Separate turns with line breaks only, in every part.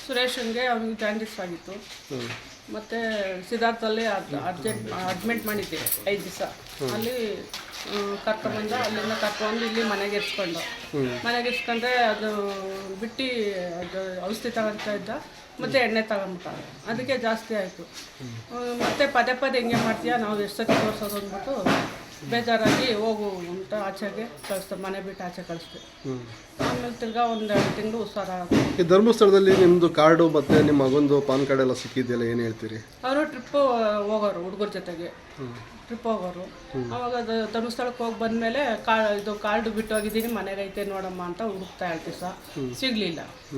ಸುರೇಶನ್ಗೆ ಅವ್ನಿಗೆ ಜಾಂಡಿಸ್ ಆಗಿತ್ತು. ಮತ್ತು ಸಿದ್ಧಾರ್ಥಲ್ಲಿ ಅಡ್ಮಿಟ್ ಮಾಡಿದ್ದೆ 5 ದಿವಸ. ಅಲ್ಲಿ ಕರ್ಕೊಂಬಂದ, ಅಲ್ಲಿಂದ ಕರ್ಕೊಂಡು ಇಲ್ಲಿ ಮನೆಗೆ ಇರ್ಸ್ಕೊಂಡ್ರೆ ಅದು ಬಿಟ್ಟು ಅದು ಔಷಧಿ ತಗೊಳ್ತಾ ಇದ್ದ, ಮತ್ತು ಎಣ್ಣೆ ತಗೊಂಬಿಟ್ಟ. ಅದಕ್ಕೆ ಜಾಸ್ತಿ ಆಯಿತು. ಮತ್ತು ಪದೇ ಹಿಂಗೆ ಮಾಡ್ತೀಯಾ, ನಾವು ಎಷ್ಟು ಸತಿ ತೋರಿಸೋದು ಅಂದ್ಬಿಟ್ಟು ಬೇಜಾರಾಗಿ ಹೋಗು ಅಂತ ಆಚೆಗೆ ಕಳಿಸ್ದೆ, ಮನೆ ಬಿಟ್ಟು ಆಚೆ ಕಳಿಸ್ದೆ. ಆಮೇಲೆ ತಿರ್ಗಾ 1-2 ತಿಂಗಳು ಹುಷಾರಾಗ.
ಈ ಧರ್ಮಸ್ಥಳದಲ್ಲಿ ನಿಮ್ಮದು ಕಾರ್ಡು ಮತ್ತು ನಿಮ್ಮ ಮಗಂದು ಪಾನ್ ಕಾರ್ಡ್ ಎಲ್ಲ ಸಿಕ್ಕಿದೆಯಲ್ಲ, ಏನು ಹೇಳ್ತೀರಿ?
ಅವರು ಟ್ರಿಪ್ ಹೋಗೋರು, ಹುಡುಗರ ಜೊತೆಗೆ ಟ್ರಿಪ್ ಹೋಗೋರು. ಅವಾಗ ಅದು ಧರ್ಮಸ್ಥಳಕ್ಕೆ ಹೋಗಿ ಬಂದಮೇಲೆ ಇದು ಕಾರ್ಡು ಬಿಟ್ಟು ಹೋಗಿದ್ದೀನಿ, ಮನೆಗೈತೆ ನೋಡಮ್ಮ ಅಂತ ಹುಡುಕ್ತಾ ಇರ್ತೀವಿ ಸಹ, ಸಿಗಲಿಲ್ಲ.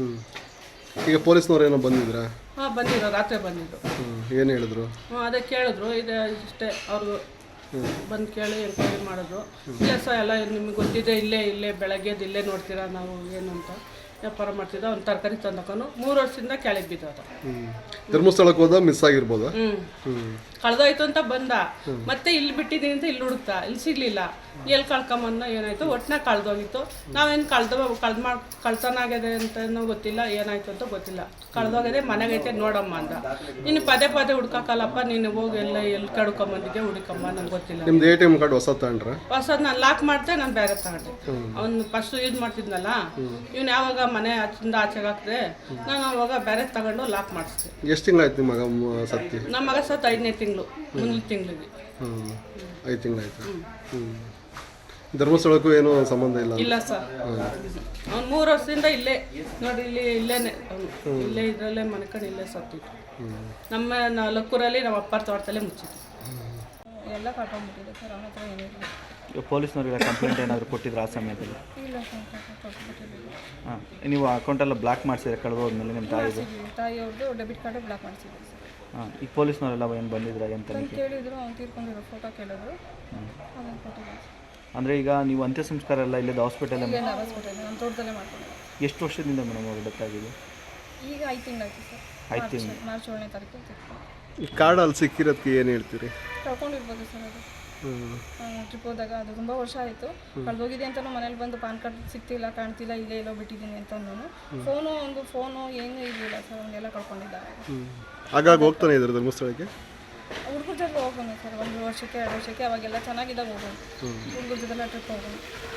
ಈಗ ಪೊಲೀಸ್ನವ್ರು ಏನೋ ಬಂದಿದ್ರಾ?
ಹಾಂ, ಬಂದಿದ್ರು, ರಾತ್ರಿ ಬಂದಿದ್ರು.
ಏನು ಹೇಳಿದ್ರು?
ಅದೇ ಕೇಳಿದ್ರು, ಇದು ಇಷ್ಟೇ. ಅವರು ಬಂದು ಕೇಳಿ ಎಂಕ್ವೈರಿ ಮಾಡಿದ್ರು. ಇಲ್ಲ ಸರ್, ಎಲ್ಲ ನಿಮಗೆ ಗೊತ್ತಿದೆ, ಇಲ್ಲೇ ಬೆಳಗ್ಗೆದು ಇಲ್ಲೇ ನೋಡ್ತೀರಾ ನಾವು ಏನು ಅಂತ ವ್ಯಾಪಾರ ಮಾಡ್ತಿದ್ದ. ಅವ್ನು ತರಕಾರಿ ತಂದಕೊಂಡು 3 ವರ್ಷದಿಂದ ಕೆಳಗೆ ಬಿದ್ದೋದ.
ಧರ್ಮಸ್ಥಳಕ್ಕೆ ಹೋದ ಮಿಸ್ ಆಗಿರ್ಬೋದಾ?
ಕಳೆದೋಯ್ತು ಅಂತ ಬಂದ, ಮತ್ತೆ ಇಲ್ಲಿ ಬಿಟ್ಟಿದ್ದೀನಿ ಅಂತ ಇಲ್ಲಿ ಹುಡುಕ್ತಾ, ಇಲ್ಲಿ ಸಿಗಲಿಲ್ಲ. ಎಲ್ಲಿ ಕಳ್ಕೊಂಬಂದ ಏನಾಯ್ತು, ಒಟ್ಟಿನ ಕಳೆದೋಗಿತ್ತು. ನಾವೇನು ಕಳ್ತನ ಆಗಿದೆ ಅಂತನೂ ಗೊತ್ತಿಲ್ಲ, ಏನಾಯ್ತು ಅಂತ ಗೊತ್ತಿಲ್ಲ. ಕಳೆದೋಗಿದೆ, ಮನೆಗೈತೆ ನೋಡಮ್ಮ ಅಂದ. ನೀನು ಪದೇ ಹುಡ್ಕಕ್ಕಲ್ಲಪ್ಪ, ನೀನು ಹೋಗಿ ಎಲ್ಲಿ ಕಡ್ಕೊಂಬಂದಿದ್ದೆ, ಹುಡುಕಮ್ಮ, ನಂಗೆ ಗೊತ್ತಿಲ್ಲ.
ನಿಮ್ದು ATM ಕಾರ್ಡ್ ಹೊಸ ತಗೊಂಡ್ರೆ?
ಹೊಸದು ನಾನು ಲಾಕ್ ಮಾಡ್ದೆ, ನಾನು ಬೇರೆ ತಗೊಂಡೆ. ಅವ್ನು ಫಸ್ಟ್ ಯೂಸ್ ಮಾಡ್ತಿದ್ನಲ್ಲ, ಇವ್ನು ಯಾವಾಗ ಮನೆ ಆಚಿಂದ ಆಚೆಗೆ ಹಾಕಿದೆ, ನಾನು ಅವಾಗ ಬೇರೆ ತಗೊಂಡು ಲಾಕ್ ಮಾಡಿಸ್ದೆ.
ಎಷ್ಟು ತಿಂಗಳಾಯ್ತು ನಿಮ್ಮ ಮಗ ಸತ್ತಿ?
ನಮ್ಮ ಮಗ ಸತ್ತು 5ನೇ ತಿಂಗಳು, ಮುಂದಿನ ತಿಂಗಳಿಗೆ.
5 ತಿಂಗಳಾಯ್ತು. ಧರ್ಮಸ್ಥಳಕ್ಕೂ ಏನೂ ಸಂಬಂಧ ಇಲ್ಲ?
ಇಲ್ಲ ಸರ್, ಅವ್ನು 3 ವರ್ಷದಿಂದ ಇಲ್ಲೇ ನೋಡಿ, ಇಲ್ಲೇನೆ ಇಲ್ಲೇ ಇದರಲ್ಲೇ ಮನೆಕಂಡು ಇಲ್ಲೇ ಸತ್ತಿತ್ತು. ನಮ್ಮ ಲಕ್ಕೂರಲ್ಲಿ ನಮ್ಮ ಅಪ್ಪರ ತೋಟದಲ್ಲೇ ಮುಚ್ಚಿತ್ತು.
ಎಲ್ಲ ಕಟ್ಕೊಂಡ್ಬಿಟ್ಟಿದೆ ಸರ್, ಅವನ ಹತ್ರ ಏನಿಲ್ಲ.
ಪೊಲೀಸ್ನವ್ರಿಗೆ ಕಂಪ್ಲೇಂಟ್ ಏನಾದರೂ ಕೊಟ್ಟಿದ್ರು ಆ ಸಮಯದಲ್ಲಿ?
ಇಲ್ಲ ಸರ್, ಕೊಟ್ಟಿಲ್ಲ.
ಹಾಂ, ನೀವು ಅಕೌಂಟೆಲ್ಲ ಬ್ಲಾಕ್ ಮಾಡಿಸಿದ್ರೆ ಕಳೆದೋದ್ಮೇಲೆ ನಿಮ್ಮ
ತಾಯಿಯವ್ರದ್ದು ಡೆಬಿಟ್ ಕಾರ್ಡು ಬ್ಲಾಕ್ ಮಾಡಿಸಿದ್ವಿ ಸರ್.
ಹಾಂ, ಈಗ ಪೊಲೀಸ್ನವರೆಲ್ಲ ಏನು ಬಂದಿದ್ರ ಅಂತ
ಕೇಳಿದ್ರು, ಅವ್ನು ತೀರ್ಕೊಂಡಿರೋ ಫೋಟೋ ಕೇಳಿದ್ರು, ಅದನ್ನು ಕೊಟ್ಟಿಲ್ಲ.
ಅಂದರೆ ಈಗ ನೀವು ಅಂತ್ಯ ಸಂಸ್ಕಾರ ಎಲ್ಲ ಇಲ್ಲದ ಹಾಸ್ಪಿಟಲ್
ಹಾಸ್ಪಿಟಲ್ ನಮ್ಮ ತೋಟದಲ್ಲೇ ಮಾಡ್ಕೊಂಡಿದ್ದೆ.
ಎಷ್ಟು ವರ್ಷದಿಂದ ಮೇಡಮ್ ಅವ್ರು ಡೆತ್ತಾಗಿದೆ?
ಈಗ 5 ತಿಂಗಳಾಯ್ತು ಸರ್.
5 ತಿಂಗಳು.
ಮಾರ್ಚ್ 7ನೇ ತಾರೀಕು ತಿರ್ಕೊಂಡು.
ಈ ಕಾರ್ಡ್ ಅಲ್ಲಿ ಸಿಕ್ಕಿರೋದಕ್ಕೆ ಏನು ಹೇಳ್ತೀರಿ?
ಕಳ್ಕೊಂಡಿರ್ಬೋದು ಸರ್. ಅದು ಟ್ರಿಪ್ ಹೋದಾಗ ಅದು ತುಂಬ ವರ್ಷ ಆಯಿತು. ಕಳೆದೋಗಿದೆ ಅಂತಲೂ ಮನೇಲಿ ಬಂದು ಪಾನ್ ಕಾರ್ಡ್ ಸಿಗ್ತಿಲ್ಲ, ಕಾಣ್ತಿಲ್ಲ, ಇಲ್ಲೇ ಎಲ್ಲೋ ಬಿಟ್ಟಿದ್ದೀನಿ ಅಂತ ಅಂದನು. ಫೋನು ಏನೂ ಇರಲಿಲ್ಲ ಸರ್, ಅವನ್ನೆಲ್ಲ ಕಳ್ಕೊಂಡಿದ್ದಾರೆ.
ಹಾಗಾಗಿ ಹೋಗ್ತಾನೆ ಇದ್ದಾರೆ ಧರ್ಮಸ್ಥಳಕ್ಕೆ?
ಹುಡುಗರ ಜೊತೆ ಹೋಗೋಣ ಸರ್, 1 ವರ್ಷಕ್ಕೆ 2 ವರ್ಷಕ್ಕೆ, ಅವಾಗೆಲ್ಲ ಚೆನ್ನಾಗಿದ್ದಾಗ ಹೋಗೋಣ. ಹುಡುಗರ ಜೊತೆಲ್ಲ ಟ್ರಿಪ್ ಹೋಗೋಣ.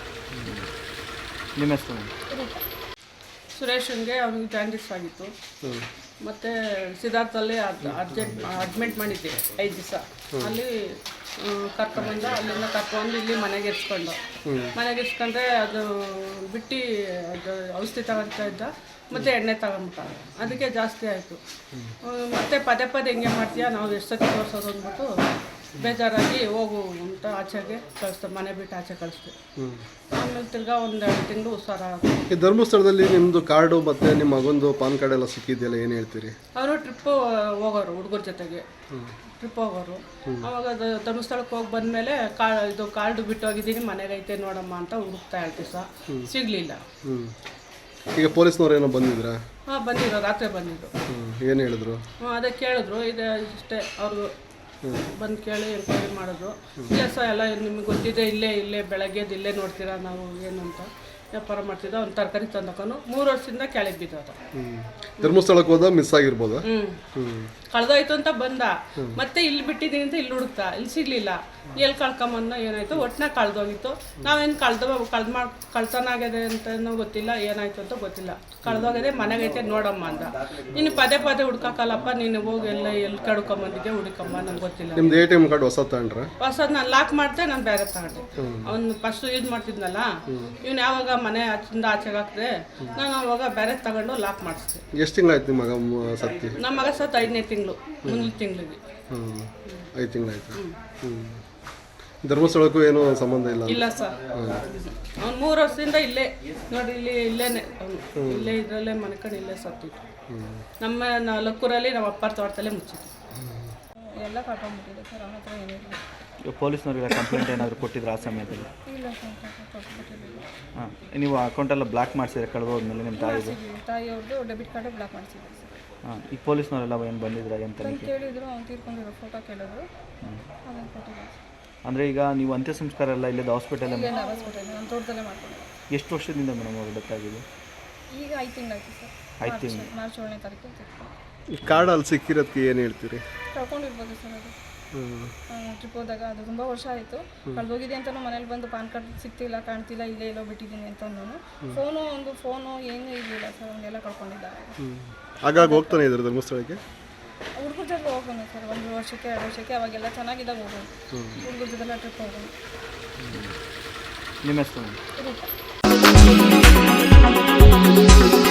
ನಿಮ್ಮ ಹೆಸರು?
ಸುರೇಶನ್ಗೆ ಅವ್ನಿಗೆ ಜಾಂಡಿಸ್ ಆಗಿತ್ತು. ಮತ್ತು ಸಿದ್ಧಾರ್ಥಲ್ಲಿ ಅಡ್ಮಿಟ್ ಮಾಡಿದ್ದೆ 5 ದಿವಸ. ಅಲ್ಲಿ ಕರ್ಕೊಂಬಂದ, ಅಲ್ಲಿಂದ ಕರ್ಕೊಂಡು ಇಲ್ಲಿ ಮನೆಗೆ ಇರ್ಸ್ಕೊಂಡ್ರೆ ಅದು ಬಿಟ್ಟು ಅದು ಔಷಧಿ ತಗೊಳ್ತಾ ಇದ್ದ, ಮತ್ತು ಎಣ್ಣೆ ತಗೊಂಬಿಟ್ಟ. ಅದಕ್ಕೆ ಜಾಸ್ತಿ ಆಯಿತು. ಮತ್ತು ಪದೇ ಹಿಂಗೆ ಮಾಡ್ತೀಯಾ, ನಾವು ಎಷ್ಟು ಸತಿ ತೋರಿಸೋದು ಅಂದ್ಬಿಟ್ಟು ಬೇಜಾರಾಗಿ ಹೋಗು ಅಂತ ಆಚೆಗೆ ಕಳಿಸ್ದೆ, ಮನೆ ಬಿಟ್ಟು ಆಚೆ ಕಳಿಸ್ದೆ. ಆಮೇಲೆ ತಿರ್ಗಾ 1-2 ತಿಂಗಳು ಹುಷಾರಾಗ.
ಈ ಧರ್ಮಸ್ಥಳದಲ್ಲಿ ನಿಮ್ಮದು ಕಾರ್ಡು ಮತ್ತು ನಿಮ್ಮ ಮಗಂದು ಪಾನ್ ಕಾರ್ಡ್ ಎಲ್ಲ ಸಿಕ್ಕಿದೆಯಲ್ಲ, ಏನು ಹೇಳ್ತೀರಿ?
ಅವರು ಟ್ರಿಪ್ ಹೋಗೋರು, ಹುಡುಗರ ಜೊತೆಗೆ ಟ್ರಿಪ್ ಹೋಗೋರು. ಅವಾಗ ಅದು ಧರ್ಮಸ್ಥಳಕ್ಕೆ ಹೋಗಿ ಬಂದಮೇಲೆ ಇದು ಕಾರ್ಡು ಬಿಟ್ಟು ಹೋಗಿದ್ದೀನಿ, ಮನೆಗೈತೆ ನೋಡಮ್ಮ ಅಂತ ಹುಡುಕ್ತಾ ಇರ್ತೀವಿ ಸಹ, ಸಿಗಲಿಲ್ಲ.
ಈಗ ಪೊಲೀಸ್ನವ್ರು ಏನೋ ಬಂದಿದ್ರಾ?
ಹಾಂ, ಬಂದಿದ್ರು, ರಾತ್ರಿ ಬಂದಿದ್ರು.
ಏನು ಹೇಳಿದ್ರು?
ಅದೇ ಕೇಳಿದ್ರು, ಇದು ಇಷ್ಟೇ. ಅವರು ಬಂದು ಕೇಳಿ ಎಂಕ್ವೈರಿ ಮಾಡಿದ್ರು. ಇಲ್ಲ ಸರ್, ಎಲ್ಲ ನಿಮಗೆ ಗೊತ್ತಿದೆ, ಇಲ್ಲೇ ಬೆಳಗ್ಗೆದು ಇಲ್ಲೇ ನೋಡ್ತೀರಾ ನಾವು ಏನು ಅಂತ ವ್ಯಾಪಾರ ಮಾಡ್ತಿದ್ದ. ಅವ್ನು ತರಕಾರಿ ತಂದಕೊಂಡು 3 ವರ್ಷದಿಂದ ಕೆಳಗೆ ಬಿದ್ದೋದ.
ಧರ್ಮಸ್ಥಳಕ್ಕೆ ಹೋದ ಮಿಸ್ ಆಗಿರ್ಬೋದಾ?
ಕಳೆದೋಯ್ತು ಅಂತ ಬಂದ, ಮತ್ತೆ ಇಲ್ಲಿ ಬಿಟ್ಟಿದ್ದೀನಿ ಅಂತ ಇಲ್ಲಿ ಹುಡುಕ್ತಾ, ಇಲ್ಲಿ ಸಿಗಲಿಲ್ಲ. ಎಲ್ಲಿ ಕಳ್ಕೊಂಬಂದ ಏನಾಯ್ತು, ಒಟ್ಟಿನ ಕಳೆದೋಗಿತ್ತು. ನಾವೇನು ಕಳ್ತನ ಆಗಿದೆ ಅಂತನೂ ಗೊತ್ತಿಲ್ಲ, ಏನಾಯ್ತು ಅಂತ ಗೊತ್ತಿಲ್ಲ. ಕಳೆದೋಗಿದೆ, ಮನೆಗೈತೆ ನೋಡಮ್ಮ ಅಂದ. ನೀನು ಪದೇ ಹುಡ್ಕಕ್ಕಲ್ಲಪ್ಪ, ನೀನು ಹೋಗಿ ಎಲ್ಲಿ ಕಡ್ಕೊಂಬಂದಿದ್ದೆ, ಹುಡುಕಮ್ಮ, ನಂಗೆ ಗೊತ್ತಿಲ್ಲ.
ನಿಮ್ದು ATM ಕಾರ್ಡ್ ಹೊಸ ತಗೊಂಡ್ರೆ?
ಹೊಸದು ನಾನು ಲಾಕ್ ಮಾಡ್ದೆ, ನಾನು ಬೇರೆ ತಗೊಂಡೆ. ಅವ್ನು ಫಸ್ಟ್ ಯೂಸ್ ಮಾಡ್ತಿದ್ನಲ್ಲ, ಇವ್ನು ಯಾವಾಗ ಮನೆ ಆಚಿಂದ ಆಚೆಗೆ ಹಾಕಿದೆ, ನಾನು ಅವಾಗ ಬೇರೆ ತಗೊಂಡು ಲಾಕ್ ಮಾಡಿಸ್ದೆ.
ಎಷ್ಟು ತಿಂಗಳಾಯ್ತು ನಿಮ್ಮ ಮಗ ಸತ್ತಿ?
ನಮ್ಮ ಮಗ ಸತ್ತು 5ನೇ ತಿಂಗಳು, ಮುಂದಿನ ತಿಂಗಳಿಗೆ.
5 ತಿಂಗಳಾಯ್ತು. ಧರ್ಮಸ್ಥಳಕ್ಕೂ ಏನೂ ಸಂಬಂಧ ಇಲ್ಲ?
ಇಲ್ಲ ಸರ್, ಅವ್ನು 3 ವರ್ಷದಿಂದ ಇಲ್ಲೇ ನೋಡಿ, ಇಲ್ಲೇನೆ ಇಲ್ಲೇ ಇದರಲ್ಲೇ ಮನೆಕಂಡು ಇಲ್ಲೇ ಸತ್ತಿತ್ತು. ನಮ್ಮ ಲಕ್ಕೂರಲ್ಲಿ ನಮ್ಮ ಅಪ್ಪರ ತೋಟದಲ್ಲೇ ಮುಚ್ಚಿತ್ತು.
ಎಲ್ಲ ಕಟ್ಕೊಂಡ್ಬಿಟ್ಟಿದೆ ಸರ್, ಅವನ ಹತ್ರ ಏನಿಲ್ಲ.
ಪೊಲೀಸ್ನವ್ರಿಗೆ ಕಂಪ್ಲೇಂಟ್ ಏನಾದರೂ ಕೊಟ್ಟಿದ್ರು ಆ ಸಮಯದಲ್ಲಿ?
ಇಲ್ಲ ಸರ್, ಕೊಟ್ಟಿಲ್ಲ.
ಹಾಂ, ನೀವು ಅಕೌಂಟೆಲ್ಲ ಬ್ಲಾಕ್ ಮಾಡಿಸಿದ್ರೆ ಕಳೆದೋದ್ಮೇಲೆ ನಿಮ್ಮ
ತಾಯಿಯವ್ರದ್ದು ಡೆಬಿಟ್ ಕಾರ್ಡು ಬ್ಲಾಕ್ ಮಾಡಿಸಿದ್ವಿ ಸರ್.
ಹಾಂ, ಈಗ ಪೊಲೀಸ್ನವರೆಲ್ಲ ಏನು ಬಂದಿದ್ರ ಅಂತ
ಕೇಳಿದ್ರು, ಅವ್ನು ತೀರ್ಕೊಂಡಿರೋ ಫೋಟೋ ಕೇಳಿದ್ರು, ಅದನ್ನು ಕೊಟ್ಟಿಲ್ಲ.
ಅಂದರೆ ಈಗ ನೀವು ಅಂತ್ಯ ಸಂಸ್ಕಾರ ಎಲ್ಲ ಇಲ್ಲದ ಹಾಸ್ಪಿಟಲ್
ಹಾಸ್ಪಿಟಲ್ ನಮ್ಮ ತೋಟದಲ್ಲೇ ಮಾಡ್ಕೊಂಡಿದ್ದೆ.
ಎಷ್ಟು ವರ್ಷದಿಂದ ಮೇಡಮ್ ಅವ್ರು ಡೆತ್ತಾಗಿದೆ?
ಈಗ 5 ತಿಂಗಳಾಯ್ತು ಸರ್.
ಆಯ್ತು
ಮಾರ್ಚ್ 7ನೇ ತಾರೀಕು ತೀರ್ಕೊಂಡು.
ಈ ಕಾರ್ಡ್ ಅಲ್ಲಿ ಸಿಕ್ಕಿರೋದಕ್ಕೆ ಏನು ಹೇಳ್ತೀರಿ?
ಕಳ್ಕೊಂಡಿರ್ಬೋದು ಸರ್ ಅದು. ಟ್ರಿಪ್ ಹೋದಾಗ ಅದು ತುಂಬ ವರ್ಷ ಆಯಿತು. ಕಳೆದೋಗಿದೆ ಅಂತಲೂ ಮನೇಲಿ ಬಂದು ಪಾನ್ ಕಾರ್ಡ್ ಸಿಗ್ತಿಲ್ಲ, ಕಾಣ್ತಿಲ್ಲ, ಇಲ್ಲೇ ಎಲ್ಲೋ ಬಿಟ್ಟಿದ್ದೀನಿ ಅಂತ ಫೋನು ಏನೂ ಇರಲಿಲ್ಲ ಸರ್, ಅವನ್ನೆಲ್ಲ ಕಳ್ಕೊಂಡಿದ್ದಾರೆ.
ಆಗಾಗ ಹೋಗ್ತಾನೆ ಇದ್ದಾರೆ ಧರ್ಮಸ್ಥಳಕ್ಕೆ?
ಹುಡುಗರ ಜೊತೆ ಹೋಗೋಣ ಸರ್, 1 ವರ್ಷಕ್ಕೆ 2 ವರ್ಷಕ್ಕೆ, ಅವಾಗೆಲ್ಲ ಚೆನ್ನಾಗಿದ್ದಾಗ ಹೋಗೋದು. ಹುಡುಗರ ಜೊತೆಲ್ಲ ಟ್ರಿಪ್ ಹೋಗೋಣ.
ನಿಮ್ಮ ಹೆಸರು?
ರೂಪ.